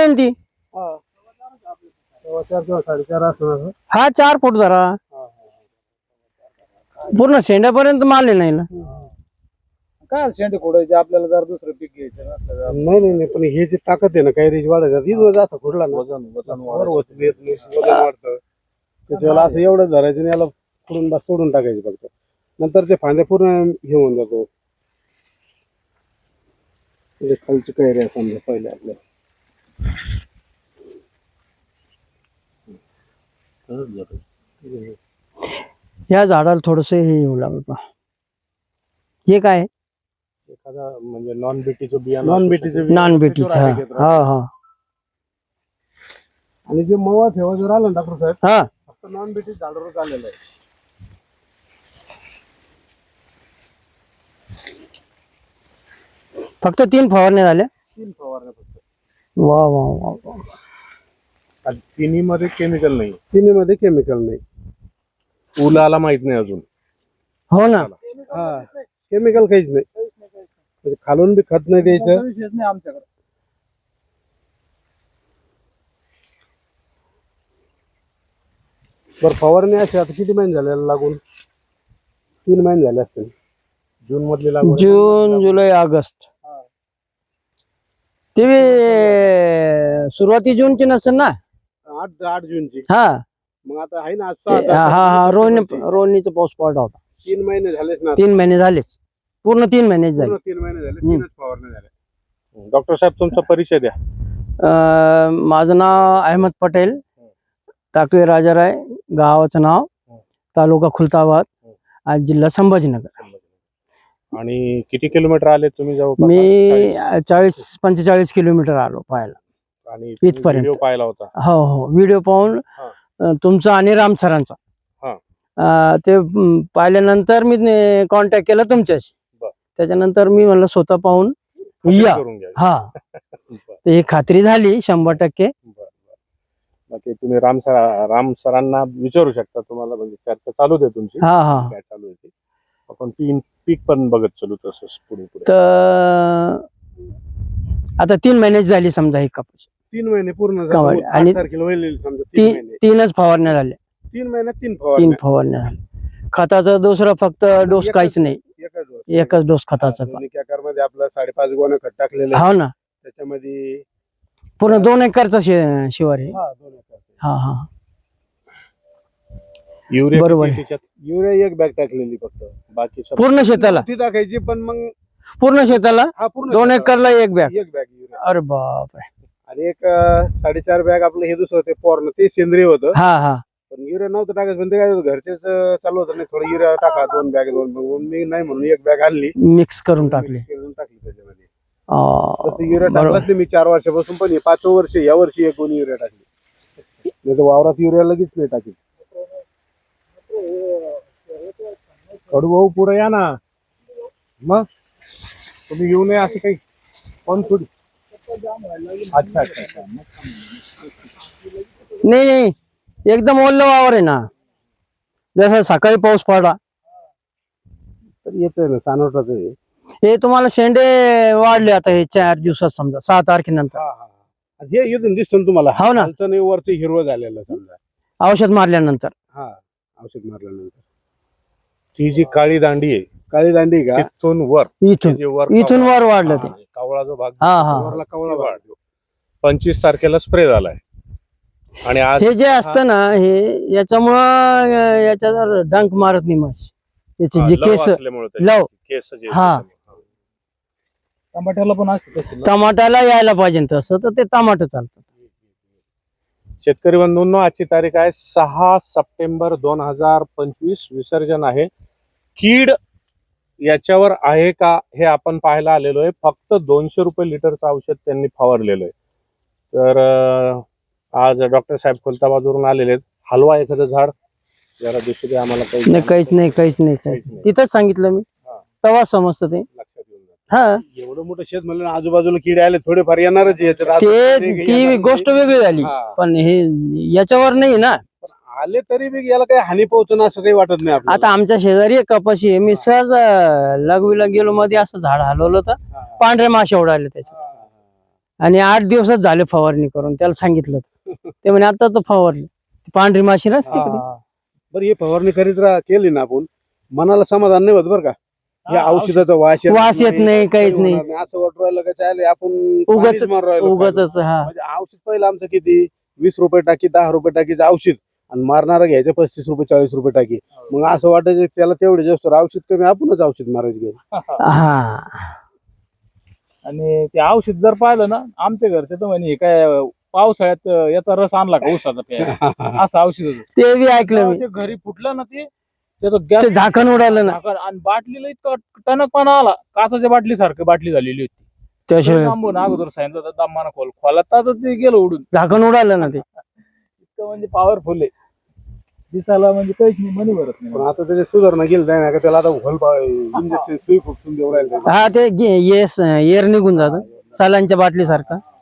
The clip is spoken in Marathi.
आहे ना ती. 4 साडेचार असणार. हा 4 फूट धरा, पूर्ण शेंड्यापर्यंत माल आहे नाही ना. काय शेंडे खोडायचे आपल्याला जर दुसरं पीक घ्यायचं नसलं नाही पण हे जी ताकद आहे ना काही रेंज वाढत हीच असं खुडला ना वजन वाढतं त्याच्याला असं एवढं धरायचं आणि याला खुडून बस सोडून टाकायचे फक्त. नंतर ते फांद्या पूर्ण हे होऊन जातो. खालची कैरी आहे समजा पहिले आपल्या. या झाडाला थोडस हे येऊ लागलं पहा. हे काय एखादा म्हणजे नॉन बीटीचं बिया नॉन बीटीचं नॉन बीटीचं. हा हा आणि जे मवा ठेवा जर आलं ना डॉक्टर साहेब हा फक्त नॉन बीटी झाडावरच आलेलं आहे. फक्त 3 फवारण्या झाल्या. 3 फवारण्या फक्त. वा वा वा वा. तिन्ही मध्ये केमिकल नाही. तिन्हीमध्ये केमिकल नाही. फुलाला माहित नाही अजून. हो ना. हा केमिकल काहीच नाही. म्हणजे खालून बी खत नाही द्यायचं. विशेष नाही आमच्याकडे. बरं फवारणी अशी आता किती महिने झाले लागून? 3 महिने झाले असतील. जून मधली लागवड. जून जुलै ऑगस्ट. ते सुरुवाती जूनची नसेल ना. 8 जूनची. हा मग आता आहे ना आज हा 6 हा रोहिणीचा पाऊस पडला होता. 3 महिने झालेच ना. 3 महिने झालेच, पूर्ण 3 महिने झाले. 3 महिने झाले. 3च फवारणी झाल्या. डॉक्टर साहेब तुमचा परिचय द्या. माझं नाव अहमद पटेल, टाकळी राजाराय, गावाचं नाव, तालुका खुलताबाद, आज जिल्हा संभाजीनगर. आणि किती किलोमीटर आले तुम्ही जवळपास? मी 40-45 किलोमीटर आलो पाहायला. आणि इथपर्यंत. व्हिडिओ पाहिला होता? हो हो व्हिडिओ पाहून तुमचा आणि राम सरांचा ते पाहिल्यानंतर मी कॉन्टॅक्ट केला तुमच्याशी. त्याच्यानंतर मी म्हणलं स्वतः पाहून या. हा ते खात्री झाली 100%. बाकी तुम्ही राम सरांना विचारू शकता. तुम्हाला म्हणजे चर्चा चालू दे तुमची. हा हा काय चालू आहे आपण पीक पण बघत चालू तसंच पुढे. तर आता 3 महिने झाली समजा ही कापूस. 3 महिने पूर्ण कमाल. आणि 8 तारखेला होईल समजा. 3 महिने. 3च फवारण्या झाल्या. 3 महिन्यात 3 3 फवारण्या. फवारण्या झाल्या. खताचा दुसरा फक्त डोस काहीच नाही. एकच डोस खताचा. मध्ये आपलं 5.5 गोणे खत टाकलेलं आहे. हो ना. त्याच्यामध्ये पूर्ण 2 एकरचा शिवार आहे. 2 एकर. हा हा युरिया बरोबर. युरिया 1 बॅग टाकलेली फक्त. बाकी पूर्ण शेताला. ती टाकायची पण मग पूर्ण शेताला पूर्ण 2 एकरला 1 बॅग. 1 bag urea. अरे बापरे. आणि एक 4.5 बॅग आपलं हे दुसरं ते पॉर्न ते सेंद्रिय होतं. हा हा पण युरिया नव्हतं टाकायचं. पण ते काय घरचेच चालू होतं. नाही थोडं युरिया टाका 2 बॅग 2 मी नाही म्हणून 1 बॅग आणली, मिक्स करून टाकली. टाकली त्याच्यामध्ये. तसं युरिया टाकलाच नाही मी 4 वर्षापासून. पण हे 5वं वर्ष या वर्षी 1 गोणी युरिया टाकली. नाही तर वावरात युरिया लगेच नाही टाकली. कडू भाऊ पुढे या ना. मग तुम्ही येऊ नये असं काही पण थोडी. अच्छा. नाही एकदम ओल्लं वावर आहे ना. जसं सकाळी पाऊस पडला तर येतोय ना सानोटाच आहे. हे तुम्हाला शेंडे वाढले आता हे 4 दिवसात समजा 6 तारखेनंतर. हे इथून दिसतं तुम्हाला. हो ना. खालचं नाही वरचं हिरवं झालेलं समजा. औषध मारल्यानंतर. औषध मारल्यानंतर. ती जी काळी दांडी आहे, काळी दांडी का तिथून वर इथून वर वाढलं ते. कावळा जो भाग वरला कवळा वाढतो. 25 तारखेला स्प्रे झालाय. आणि आज हे जे असतं ना हे याच्यामुळं याच्यावर डंक मारत नाही माशी. याचे जे केस लव केस जे हा टमाट्याला पण असते. टमाट्याला यायला पाहिजे तसं तर ते टमाटर चालतं. शेतकरी बंधूंनो आजची तारीख आहे 6 सप्टेंबर 2025. विसर्जन आहे. कीड याच्यावर आहे का हे आपण पाहायला आलेलो आहे. फक्त 200 रुपये लिटरचं औषध त्यांनी फवारलेलं आहे. तर आज डॉक्टर साहेब खुलताबादवरून आलेले आहेत. हलवा एखादं झाड जरा दिसू दे आम्हाला. काहीच नाही. तिथंच सांगितलं मी. तेव्हा समजतं ते. लक्षात येऊन जातं. हा एवढं मोठं शेत म्हणलं आजूबाजूला किडे आले थोडेफार येणारच. ती गोष्ट वेगळी झाली. पण हे याच्यावर नाही ना. आले तरी बी याला काही हानी पोहोचणं असं काही वाटत नाही आपल्याला. आता आमच्या शेजारी एक कपाशी आहे. मी सहज लघवीला गेलो मध्ये असं झाड हलवलं तर पांढरे मासे उडाले त्याच्यात. आणि 8 दिवसात झाले फवारणी करून, त्याला सांगितलं ते म्हणे आता तर फवारली. ती पांढरी माशी नसते का ती? बरं हे फवारणी केली ना आपण, मनाला समाधान नाही होत बरं का. या हा, औषधाचा वास वास येत नाही, काहीच काही नाही. होणार नाही. असं वाटू राहिलं का चालेल आपण उगाच पाणीच मारून राहिलो. उगाच हा म्हणजे औषध पहिलं आमचं किती 20 रुपये टाकी 10 रुपये टाकीचं औषध, आणि मारणारा घ्यायचं 35 रुपये 40 रुपये टाकी. मग असं वाटायचं की त्याला तेवढे जास्त औषध कमी, आपणच औषध मारायचं घ्यायचं. हा आणि ते औषध जर पाहिलं ना, आमच्या घरचे तर म्हणे हे काय पावसाळ्यात याचा रस आणला का ऊसाचा प्यायला, असं औषध होतं. ते बी ऐकलं मी. ते घरी फुटलं ना, ते त्याचं गॅस ते झाकण उडालं ना. आणि बाटलीला इतकं टणकपणा आला, काचाच्या बाटली सारखी बाटली झालेली होती. त्याशिवाय थांबून अगोदर सांगितलं होतं दमानं खोलात ते गेलं उडून. झाकण उडालं ना ते. इतकं म्हणजे पॉवरफुल आहे, दिसायला म्हणजे काहीच नाही, मनी भरत नाही. पण आता त्याची सुधारणा केली जाय ना का, त्याला आता इंजेक्शन सुई फुटून देऊ राहिले. हा ते एअर निघून जातं, सालांच्या बाटली सारखं.